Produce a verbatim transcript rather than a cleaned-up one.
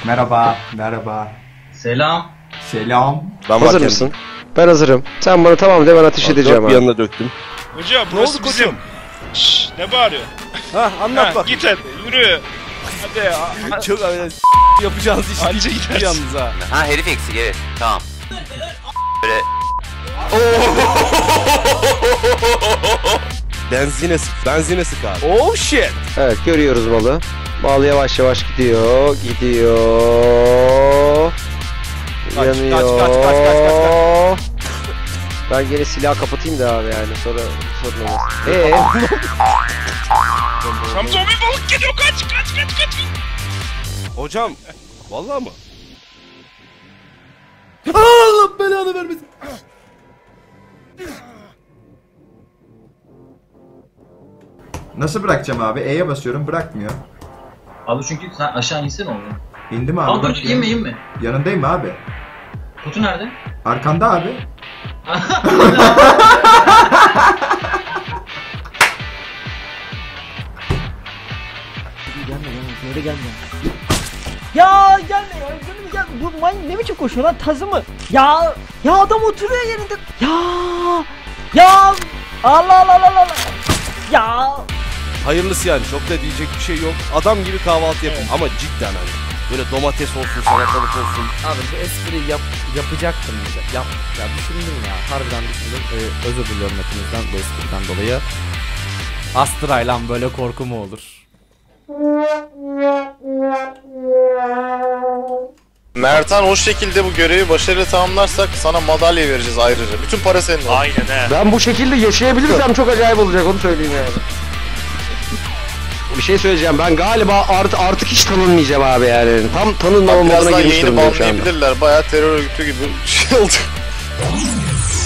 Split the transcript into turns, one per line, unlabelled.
Merhaba, merhaba.
Selam.
Selam.
Ben
Hazır
varken-
mısın? Ben hazırım. Sen bana tamam de, ben ateş edeceğim
Dört
abi.
bir yanına döktüm.
Hocam
Ne
burası
oldu
bizim.
koçum?
Şşş, ne bağırıyor?
Ha anlat
Ha,
bak.
git hadi yürü. Hadi ya.
Çok öyle yapacağınız iş
Anca
değil
gidersin.
yalnız ha.
Ha herif eksik evet tamam. Böyle
Benzine sık, benzine sık abi. Oh shit.
Evet, görüyoruz balı. Bal yavaş yavaş gidiyor, gidiyor.
Kaç,
Yanıyor.
kaç, kaç, kaç, kaç, kaç,
Ben gene silahı kapatayım da abi yani sonra sorun olmaz. Eee?
Hamza bir balık geliyor kaç kaç kaç kaç.
Hocam, vallahi mı?
Allah belanı vermesin. Nasıl bırakacağım abi? E'ye basıyorum, bırakmıyor.
Abi çünkü sen aşağı insene onu.
İndim abi.
Al dur
bak,
inme inme.
Yanındayım abi.
Kutu nerede?
Arkanda abi.
Gelme gelme böyle gelme. Ya gelme ya canım gelme. Bu man ne biçim koşuyor lan, tazı mı? Ya ya adam oturuyor yerinde. Ya ya Allah Allah Allah Allah. Ya
Hayırlısı yani, çok da diyecek bir şey yok. Adam gibi kahvaltı yapın ama cidden hani. Böyle domates olsun, salatalık olsun.
Abi bu espriyi yap, yapacaktım bize. Yap, ya düşündüm ya. Harbiden düşündüm. Ee, özür diliyorum hepinizden bu espriden dolayı. Astrayla böyle korku mu olur?
Mertan o şekilde bu görevi başarıyla tamamlarsak sana madalya vereceğiz ayrıca. Bütün para senin. Aynen he.
Ben bu şekilde yaşayabilirsem çok acayip olacak, onu söyleyeyim yani. Bir şey söyleyeceğim, ben galiba art, artık hiç tanınmayacağım abi yani. Tam tanınmama moduna
Birazdan
girmiş
yayını
durumdayım şu anda.
banlayabilirler. Bayağı terör örgütü gibi bir şey oldu.